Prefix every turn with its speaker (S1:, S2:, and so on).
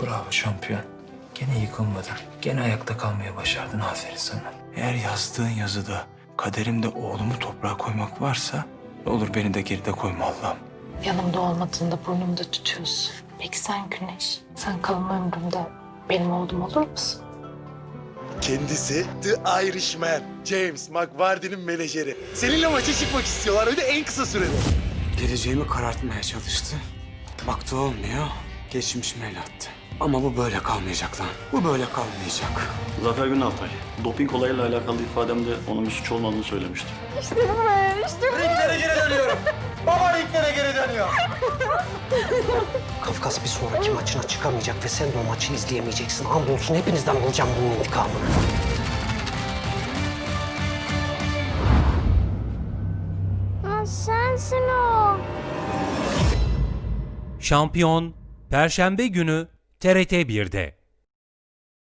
S1: Bravo şampiyon. Gene yıkılmadın. Gene ayakta kalmaya başardın. Aferin sana. Eğer yazdığın yazıda kaderimde oğlumu toprağa koymak varsa ne olur beni de geride koyma Allah'ım.
S2: Yanımda olmadığında burnumda tutuyorsun. Peki sen Güneş? Sen kalan ömrümde benim oğlum olur musun?
S3: Kendisi The Irishman. James McVardy'nin menajeri. Seninle maça çıkmak istiyorlar. Öyle en kısa sürede.
S4: Geleceğimi karartmaya çalıştı. Baktı olmuyor, geçmişime el attı. Ama bu böyle kalmayacak lan. Bu böyle kalmayacak.
S5: Zafer Günaltay, doping olayıyla alakalı ifademde onun bir suç olmadığını söylemişti.
S6: Kafkas bir sonraki maçına çıkamayacak ve sen de o maçı izleyemeyeceksin. Andolsun hepinizden alacağım bunun intikamını.
S7: Sensin o.
S8: Şampiyon Perşembe günü TRT 1'de.